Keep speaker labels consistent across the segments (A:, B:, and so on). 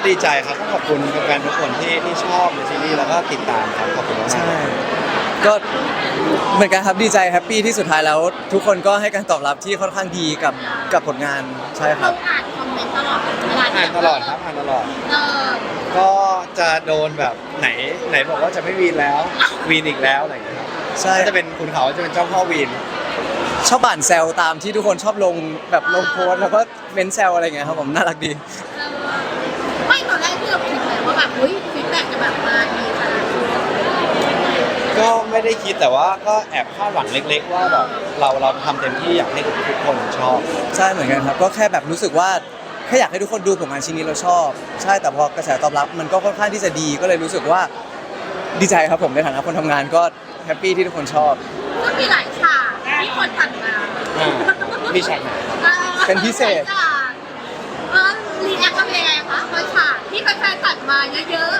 A: ดีใจครับต้องขอบคุณแฟนๆทุกคนที่ชอบในซีรีส์แล้วก็ติดตามครับขอบคุณมาก
B: ใช่ก็เหมือนกันครับดีใจแฮปปี้ที่สุดท้ายแล้วทุกคนก็ให้การตอบรับที่ค่อนข้างดีกับผลงานใช่ค
C: เรา
B: รับ
C: อ่านคอมเมนต์ตลอดเวลา
A: อ่านตลอดครับอ่านตลอด
C: เออ
A: ก็จะโดนแบบไหนบอกว่าจะไม่วีนแล้ววีนอีกแล้วอะไรอย่างเงี้ยครับ
B: ใช่
A: ก็จะเป็นคุณเขาจะเป็นเจ้าพ่อวีน
B: ชอบอ่านแซวตามที่ทุกคนชอบลงแบบลงโพสต์แล้วก็เม้นแซวอะไรเงี้ยครับผมน่ารักดี
C: ไม่ตอนแรกที่เราคิดเลยว่าแบบอุ้ยฟีดแบ็กจะแบบมาดีขนาดนี้
A: ก็ไม่ได้คิดแต่ว่าก็แอบคาดหวังเล็กๆว่าแบบเราทำเต็มที่อยากให้ทุกคนชอบ
B: ใช่เหมือนกันครับก็แค่แบบรู้สึกว่าแค่อยากให้ทุกคนดูผลงานชิ้นนี้เราชอบ ใช่แต่พอกระแสตอบรับมันก็ค่อนข้างที่จะดีก็เลยรู้สึกว่าดีใจครับผมในฐานะคนทำงานก็แฮปปี้ที่ทุกคนชอบ
C: ก็มีหลายฉากที่คนตัดมา
A: มีฉากไหน
B: เป็นพิเศษ
C: รีแอคก็เป็นยังไงคะบางฉากที่แฟนๆตัดมาเยอะ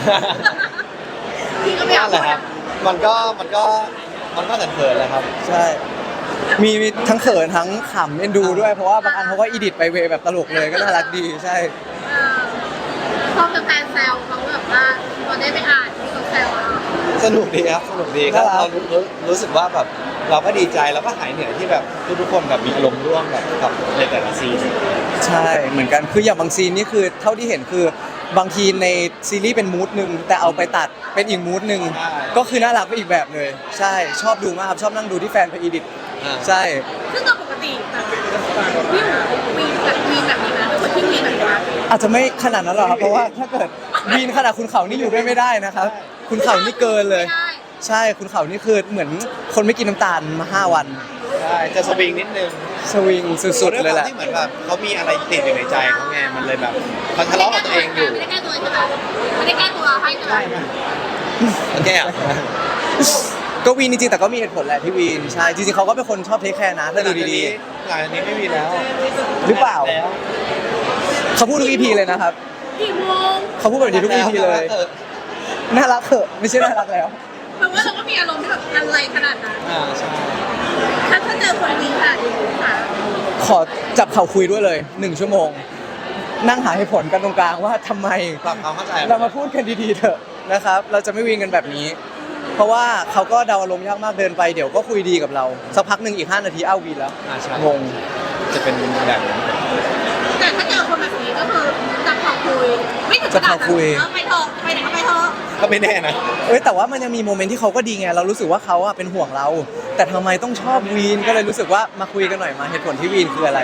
C: ๆพี่ก็ไม่อยาก
A: นั่นแหละครับมันก็เขินๆแหละครับ
B: ใช่มีทั้งเขินทั้งขำเอ็นดูด้วยเพราะว่าบางอันเขาก็อีดิทไปเวย์แบบตลกเลยก็น่ารักดีใช่
C: พอแฟนๆแซวเขาแบบว่าพอได้ไปอ่านที่เขาแซวเรา
A: สนุกดีครับสนุกดีก็
B: น่ารัก
A: เรารู้สึกว่าแบบเราก็ดีใจแล้วก็หายเหนื่อยที่แบบทุกคนแบบมีอารมณ์ร่วมแบบกับในแต่ละซีน
B: ใช่เหมือนกันคืออย่างบางซีนนี่คือเท่าที่เห็นคือบางทีในซีรีส์เป็นมูดหนึ่งแต่เอาไปตัดเป็นอีกมูดหนึ่งก็คือน่ารักไปอีกแบบเลย ใช่ชอบดูมากครับชอบนั่งดูที่แฟนไปอีดิทใช่
C: ซึ่งโดยปกติแบบพี่มีแบบนี้นะเป็นคนที่มีแบบนี้
B: อาจจะไม่ขนาดนั้นหรอกครับเพราะว่าถ้าเกิดวีนขนาดคุณเขานี่อยู่ด้วยไม่ได้นะครับคุณเขานี่เกินเลย ใช่คุณเขานี่คือเหมือนคนไม่กินน้ำตาลมา5 วัน
A: ใช่จะสวิงนิดนึง
B: สวิงสุดๆเลยแหละ
A: ที่เหมือนแบบเขามีอะไรติดอยู่ในใจเขาไงมันเลยแบบเขาทะเลาะกับตัวเองอยู่
C: ไม่ได้แก้ตัวใช่ไหมไม่ได้แก้ตัวให้ใช่ไหม
A: โอเคอ่ะ
B: ก็วีนจริงๆแต่ก็มีเหตุผลแหละที่วีนใช่จริงๆเขาก็เป็นคนชอบเทคแคร์นะถ้าดูดี
A: หลังจากนี้ไม่มีแล้ว
B: ๆหรือเปล่า
A: แล้ว
B: เขาพูดทุก EP เลยนะครับ
C: กี่โมง
B: เขาพูดแบบนี้ทุก EP เลยน่ารักเถอะไม่ใช่น่ารักแล้ว
C: แปลว่าเราก็มีอารมณ์ที่แบบอะไรขนาดนั้น
A: ใช่
C: ถ้าเจอคนดีขนาดนี้ค่ะ
B: ขอจับเข่าคุยด้วยเลย1 ชั่วโมง นั่งหาเหตุผลกันตรงกลางว่าทำไม
A: ปรับความเข้าใจ
B: เรามาพูดกันดีๆเถอะนะครับ เราจะไม่วีนกันแบบนี้ เพราะว่าเขาก็เดาอารมณ์ยากมากเดินไปเดี๋ยวก็คุยดีกับเราสักพักหนึ่งอีก5 นาทีอ้าววีนแล้ว
A: ใช่
B: งง
A: จะเป็นแบบนั้น
C: แต่ถ้าเจอคนแบบนี้ก็คือจับเขาคุยไม่ถึงขนาด
B: จับเขาคุย
C: ไปเถอะไปไหนก็ไปเถอะ
A: ก็ไม่แน่นะ
B: แต่ว่ามันยังมีโมเมนต์ที่เขาก็ดีไงเรารู้สึกว่าเขาอะเป็นห่วงเรา แต่ทำไมต้องชอบวีนก็เลยรู้สึกว่ามาคุยกันหน่อยมาเหตุผลที่วีนคืออะไร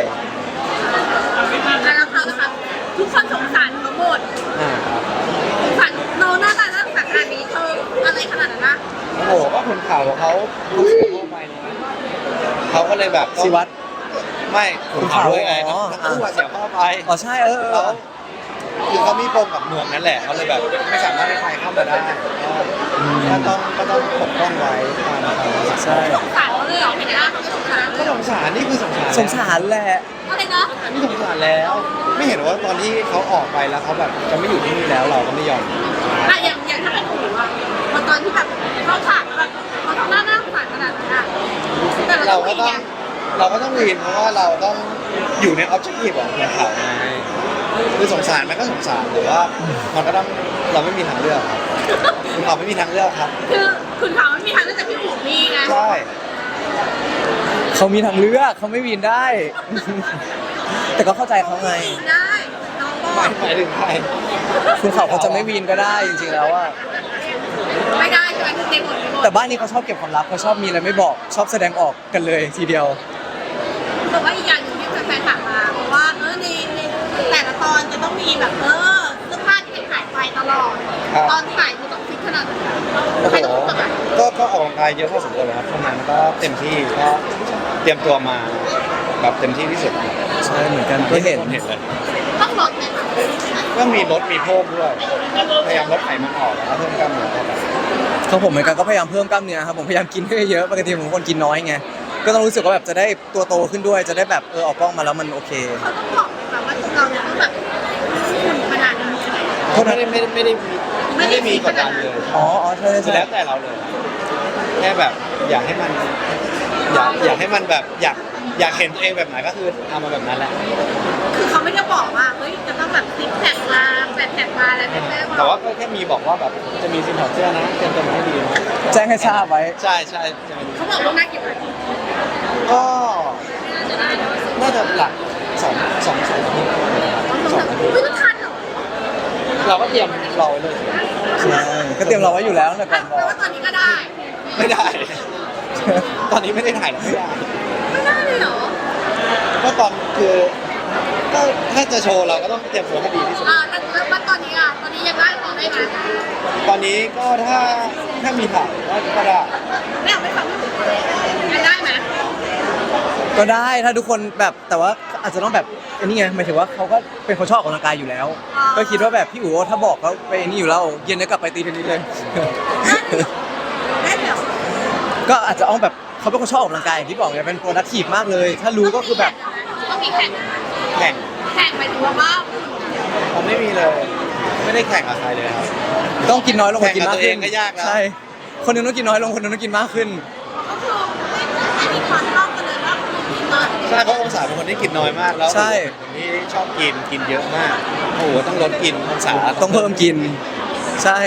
C: แล้วเขานะคะทุกคนสงสารเขาหมด
A: ครับ
C: สงสารน้องหน้าตาน่าสงสารขนาดนี้เธออะไรขนาดนั้นนะ
A: โอ้โหก็คนข่าวเขาเสียพ่อไปนะเขาก็เลยแบบต้อง
B: สิวัตร
A: ไม่คนข่าวด้วยไง
B: อ๋อ
A: ทั้งคู่อะเสียพ่อไป
B: อ๋อใช่
A: แล้วคือเขามีปมกับเมืองนั่นแหละเขาเลยแบบไม่สามารถให้ใครเข้ามาได้ก็ต้องปกป้องไว้ตามธรรมชาติ
B: ใช่
C: สงสารเขาเลยเหรอเห็นหน้าเขาก็สงสาร
A: ก็สงสารนี่คือสงสาร
B: สงสารแหละ
C: อะไรนะ
A: นี่สงสารแล้ว ไม่เห็นว่าตอนที่เขาออกไปแล้วเขาแบบจะไม่อยู่ที่นี่แล้วเราก็ไม่ยอม
C: อย่างถ้าเป็นหนูอะพอตอนที่แบบเขาฉากแบบเขาทำหน้าสงสารขนาดนั้นอะแต่
A: เรา
C: เรา
A: ก็
C: ก็
A: ต้
C: ต้
A: อ
C: อง ง
A: เราก็ต้องวีนเพราะว่าเราต้องอยู่ในออบเจกตีฟของคนข่าวไงคือสงสารมันก็สงสารแต่ว่ามันก็ต้องเราไม่มีทางเลือกครับคุณข่าวไม่มีทางเลือกครับ
C: คือคุณเขาไม่มีทางเลือกจากพี่หูมีไง
A: ใช่
B: เขามีทางเลือกเขาไม่วีนได้ แต่ก็เข้าใจเขาไง
C: วีนได้น้องก็
A: หมายถึงใคร
B: คุณเขาจะไม่วีนก็ได้จริงๆแล้วอะ
C: ไม่ได้ใช่ไหมในบทในบท
B: แต่บ้านนี้เขาชอบเก็บความลับเขาชอบมีอะไรไม่บอกชอบแสดงออกกันเลยทีเดียว
C: แต่ว่าอีกอย่างหนึ่งที่แฟนๆถามมาเพราะว่าในแต่ละตอนจะต้องมีแบบเสื้อผ้าที่เป็นถ่ายไปตลอด ตอนถ่ายมันต้องฟิตขนาดไหน
A: โอ้โห
C: ใครต้องฝึกอะ
A: ก็ออกกำลังกายเยอะพอสมควรเลยครับทำงานก็เต็มที่ก็เตรียมตัวมาแบบเต็มที่ที่สุด
B: ใช่เหมือนกันก็เห็น
A: เห็นเลย
C: ต้องลดไหมคะ
A: ก็มีลดมีเพิ่มด้วยพยายามลดไขมันออกแล้วก็เพิ่มกล้ามเนื้อเข้าไป
B: เขาผมเหมือนกันก็พยายามเพิ่มกล้ามเนื้อครับผมพยายามกินให้เยอะปกติผมเป็นคนกินน้อยไงก็ต้องรู้สึกว่าแบบจะได้ตัวโตขึ้นด้วยจะได้แบบออกกล้องมาแล้วมันโอเค
C: เขาต้องบอกไหมคะว่าเราจะต้องแบบหุ่นขนาดนี้
A: เขาไม่ได้มีกดดันเลย
B: อ๋อใช่ใช่
A: แล้วแต่เราเลยแค่แบบอยากให้มันอยากให้มันแบบอยากอยากเห็นตัวเองแบบไหนก็คือเอามาแบบนั้นแหละ
C: คือเขาไม่ได้บอกว่าเฮ้ยจะต้องแบบซิกแพคมาแปดแพคมาอะไรแบบนี้
A: แต่ว่าก็แค่มีบอกว่าแบบจะมีซีนถอดเสื้อนะเตรียมตัวมาให้ดีนะ
B: แจ้งให้ทราบไว้
A: ใช่ใช่จะเป็น
C: เขาบอกว่าน่ากี่วัน
A: ก็น่าจะหลักสองอาทิตย์2 อาทิตย์
C: ไม่ต้องทันเหรอ
A: เราก็เตรียมรอไว้เลย
B: ใช่ก็เตรียมเราไว้อยู่แล้วตั้งแต่ก่อนบ
C: แปล
B: อก
C: ว่าตอนนี้ก็ได้
A: ไม่ได้ ตอนนี้ไม่ได้ถ่ายแล้วไม่ได้
C: ไม่ได้เลยเหรอ
A: ก็ตอนคือก็ถ้าจะโชว์เราก็ต้องเตรียมตัวให้ดีที่สุด
C: แล้วตอนนี้ตอนนี้ยังได้ของได้ไหม
A: ตอนนี้ก็ถ้ามีถ่ายก็ได้
C: ไม่เอาไม่ฟังยังได้ไหม
B: ก็ได้ถ้าทุกคนแบบแต่ว่าอาจจะต้องแบบอันนี้ไงหมายถึงว่าเขาก็เป็นคนชอบออกกำลังกายอยู่แล้ว ก็คิดว่าแบบพี่อู๋ถ้าบอกเขาไปนี่อยู่แล้วเย็นนี้กลับไปตีเทนนิสเลย
C: ได้เหรอ
B: ก็อาจจะเอาแบบเขาเป็นคนชอบออกกำลังกายอย่างที่บอกไงเป็นโปรดักทีฟมากเลย ถ้ารู้ก็คือแบบ
C: ต้องมีแข่ง
A: แข่ง
C: แข่งไปถึงว่า
A: ผมไม่มีเลย ไม่ได้แข่งกับใครเลยครับ
B: ต้องกินน้อยลงกว่ากินมากขึ้น
A: แข่งกับตัวเองก็ยากแล้ว
B: ใช่คนหนึงต้องกินน้อยลงคนหนึงต้องกินมากขึ้น
C: ก็คือไม่มีความชอบกันเลยว่ากินน้อย
A: ใช่เพราะองศาเป็นคนที่กินน้อยมากแล้ว
B: ใช่
A: เป็นคนที่ชอบกินเยอะมากโอ้โหต้องลดกินองศา
B: ต้องเพิ่มกิน ใช่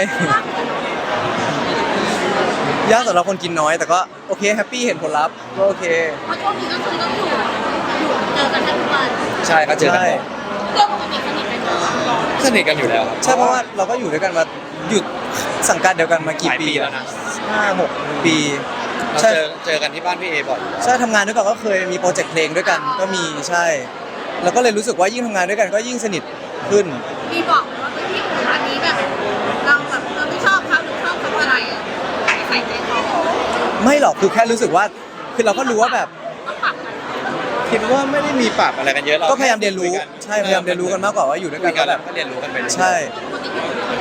B: ยากสำหรับคนกินน้อยแต่ก็โอเคแฮปปี้เห็นผลลัพธ์ก็โอเค
C: เพราะช่วงนี้ก็คือต้องอยู่เจอกันทุกวัน
A: ใช่ก็เจอกัน
B: ใช่
A: บ่อย
C: เรื่องปกติสนิทกันเนอะ
A: สนิทกันอยู่แล้วครับ
B: ใช่เพราะว่าเราก็อยู่ด้วยกันมาหยุดสังกัดเดียวกันมากี่
A: หลาย
B: ปี
A: ปีแล้วนะ
B: 5-6 ปี
A: เรา
B: ใช่
A: เจอกันที่บ้านพี่เอบ่อย
B: ใช่ทำงานด้วยกันก็เคยมีโปรเจกต์เพลงด้วยกันก็มีใช่แล้วก็เลยรู้สึกว่ายิ่งทำงานด้วยกันก็ยิ่งสนิทขึ้น
C: มีบอกไหมว่าพี่คนอันนี้แบบเราแบบเราไม่ชอบเขาหรือชอบเขาอะไรอ่ะใส่ใจเขา
B: ไม่หรอกคือแค่รู้สึกว่าคือเราก็รู้ว่าแบบ
C: ต้องปรับกัน
A: คิดว่าไม่ได้มีปรับอะไรกันเยอะเรา
B: ก็พยายามเรียนรู้
A: คุกัน
B: ใช่พยายามเรียนรู้กันมากกว่าว่าอยู่ด้วย
A: คุ
B: กั
A: ย
B: น
A: กั
B: แล้
A: น
B: ว
A: แบ
B: แบบ บ
A: ก็เรียนรู้กันไปเรื่อยๆ
B: ใช่
C: ปกติพี่คน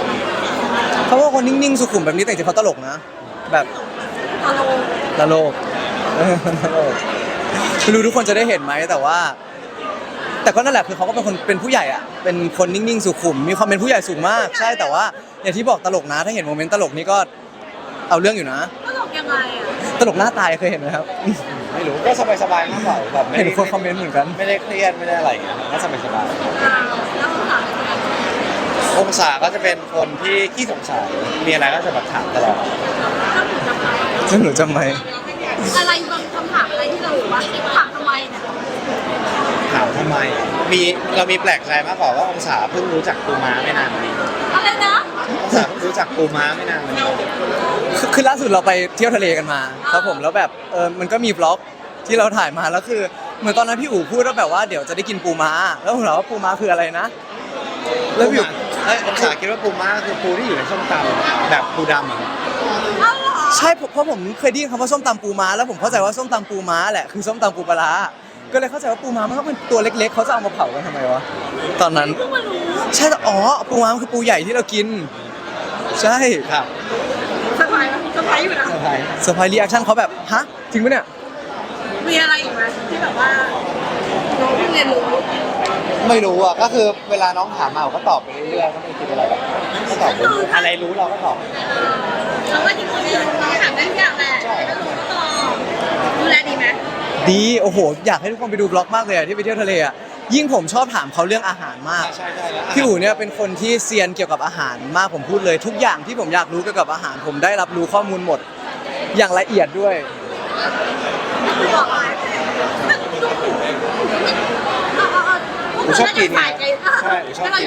B: เขาว่าคนนิ่งๆสุขุมแบบนี้แต่จริงๆเขาตลกนะ แบบ
C: ตลก
B: ตลกตลกไม่รู้ทุกคนจะได้เห็นไหมแต่ว่า แต่ก็นั่นแหละคือเขาก็เป็นคนเป็นผู้ใหญ่อะเป็นคนนิ่งๆสุขุมมีความเป็นผู้ใหญ่สูงมาก ใช่แต่ว่าอย่างที่บอกตลกนะ ถ้าเห็นโมเมนต์ตลกนี้ก็เอาเรื่องอยู่นะ
C: ตลกยังไงอ่ะ
B: ตลกหน้าตายเคยเห็นไหมครับ
A: ไม่รู้ก็สบายๆมากกว่าแบบไม่
B: เห็น
A: ได้
B: คนคอมเมนต์เหมือนกัน
A: ไม่ได้เครียดไม่ได้อะไรอย่างเงี้ยก็สบาย
C: แล้วต้องถามยังไง
A: ๆองศาก็จะเป็นคนที่ขี้สงสัยมีอะไรก็จะแบบถามตลอด
C: ถ้าหนูจำได้
B: แล้วหนูจำไหม
C: อะไรบางคำถามอะไรที่เราบอกว่าถามทำไมเนี่ย
A: ถามทำไมเรามีแปลกใจมากกว่าว่าองศาเพิ่งรู้จักปูม้าไม่นานมานี้
C: อะไรนะ
A: องศาเพิ่งรู้จักปูม้าไม่นานมานี้
B: คือล่าสุดเราไปเที่ยวทะเลกันมาครับผมแล้วแบบมันก็มีบล็อกที่เราถ่ายมาแล้วคือเหมือนตอนนั้นพี่อู๋พูดว่าแบบว่าเดี๋ยวจะได้กินปูม้าแล้วผมถามว่าปูม้าคืออะไรนะ แล้วพี่อู๋
A: องศาคิดว่าปูม้าคือปูที่อยู่ในส้มตำแบบปูดำอ่ะ
C: เอ้าเหรอ
B: ใช่เพราะผมเคยได้ยินคำว่าส้มตำปูม้าแล้วผมเข้าใจว่าส้มตำปูม้าแหละคือส้มตำปูปลาร้าก็เลยเข้าใจว่าปูม้ามันก็เป็นตัวเล็กๆเขาจะเอามาเผากันทำไมวะตอนนั้น
C: เพิ่งมารู้
B: ใช่แต่อ๋อปูม้ามันคือปูใหญ่ที่เรากิน ใช่
A: ครับ
C: สบายไหมสบายอยู่นะ
A: ใช่
B: เซอร์ไพรส์รีแอคชั่นเขาแบบฮะจริงปะเนี่ย
C: มีอะไรอีกไหมที่แบบว่าน้องเพิ่งเรียนรู้
A: ไม่รู้อ่ะก็คือเวลาน้องถามมาเราก็ตอบไปเรื่อยๆก็ไม่คิดอะไรแบบก็ตอบไปเรื่อยๆอะไรรู้เราก็ตอบ
C: เราก็จริงๆน้องถามได้ทุกอย่างแหละแล้วหนูก็ตอบดูแลดีไหม
B: ดีโอ้โหอยากให้ทุกคนไปดูบล็อกมากเลยอะที่ไปเที่ยวทะเลอะยิ่งผมชอบถามเขาเรื่องอาหารมาก
A: ใช่ใช่แล้ว
B: พี่อู๋เนี่ยเป็นคนที่เซียนเกี่ยวกับอาหารมากผมพูดเลย ทุกอย่างที่ผมอยากรู้เกี่ยวกับอาหาร ผมได้รับรู้ข้อมูลหมด อย่างละเอียดด้วย
C: บอกอะไร
A: ชอบกิน
C: ใช่ใช่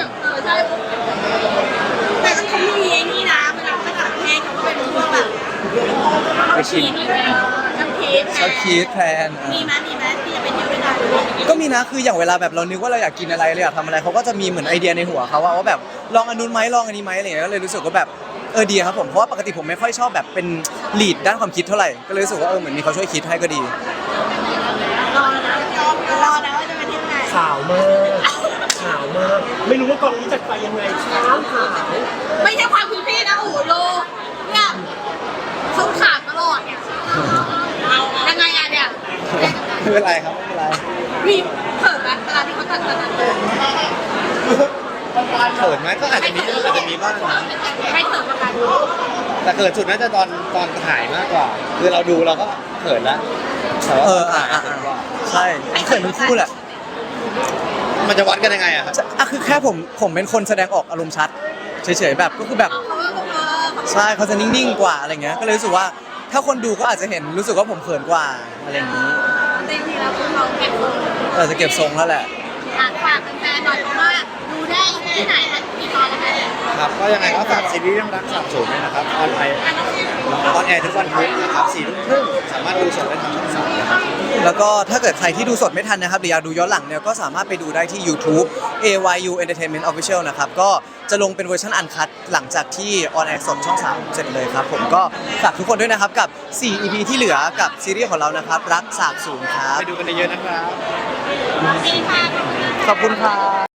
C: แต่ก็เขามีไอ้นี่นะเวลาไปต่างประเทศเขาก็เป็นพวกแบบ
A: ไปชิม
C: น้ำพริก
B: ชอบคิดแพลน
C: มีไหมที่จะไปเที่ยวด้วยกัน
B: ก็มีนะคืออย่างเวลาแบบเรานึกว่าเราอยากกินอะไรเราอยากทำอะไรเขาก็จะมีเหมือนไอเดียในหัวเขาว่าแบบลองอันนู้นไหมลองอันนี้ไหมอะไรอย่างเงี้ยก็เลยรู้สึกว่าแบบดีครับผมเพราะว่าปกติผมไม่ค่อยชอบแบบเป็นลีดด้านความคิดเท่าไหร่ก็เลยรู้สึกว่าเหมือนมีเขาช่วยคิดให้ก็ดี
C: รอนะรอนะว่าจะไปเที่ยวไหน
D: ขาวมากขาวมากไม่รู้ว่ากองนี้จัดไปยังไงขาวขาว
C: ไม่ใช่ความคุณพี่นะโอ้โหโลเนี่ยเขาขาดตลอดเนี่ยยังไงอะเนี่ย
A: ไม่เป็นไรครับไม่เป็นไร
C: มีเผิ่ไหมเวลาที่เขาตัด
A: เขินไหมก็อาจจะมีบ้างนะ
C: ให้เผิ่ประกัน
A: แต่เขินสุดน่าจะตอนถ่ายมากกว่า คือเราดูเราก็เขินแล้วแต่ว่าตอนถ่ายเขินกว่า
B: ใใช่เขินทั้งคู่แหละ
A: มันจะวัดกันยังไงอะครับ
B: อ่ะคือแค่ผมเป็นคนแสดงออกอารมณ์ชัดเฉยๆแบบก็คือแบบ
C: เขาก็เขา
B: ใช่เขาจะนิ่งๆกว่าอะไรเงี้ยก็เลยรู้สึกว่าถ้าคนดูก็อาจจะเห็นรู้สึกว่าผมเขินกว่าอะไรอย่างนี้
C: จริงๆแล้วคือเราเก็บทรง
B: ก็อาจจะเก็บทรงแล้วแหละ
C: ฝากแฟนๆหน่อยเพราะว่าดูได้ที่ไหนมันกี่ตอนแล้วคะ
A: ครับก็ยังไงก็ฝากซีรีส์เรื่องรักสามสูตรด้วยนะครับออนแอร์ทุกวันพุธนะครับ4:30สามารถดูสดได้ทางช่อง3นะครับ
B: แล้วก็ถ้าเกิดใครที่ดูสดไม่ทันนะครับหรืออยากดูย้อนหลังเนี่ยก็สามารถไปดูได้ที่ YouTube AYU Entertainment Official นะครับก็จะลงเป็นเวอร์ชันอันคัตหลังจากที่ออนแอร์สดช่อง 3 เสร็จเลยครับผมก็ฝากทุกคนด้วยนะครับกับ 4 EP ที่เหลือกับซีรีส์ของเรานะครับรักสาบสูญครับ
A: ไปดูกันเยอะๆนะครับ
C: โอเคค่ะ
B: ขอบคุณครับ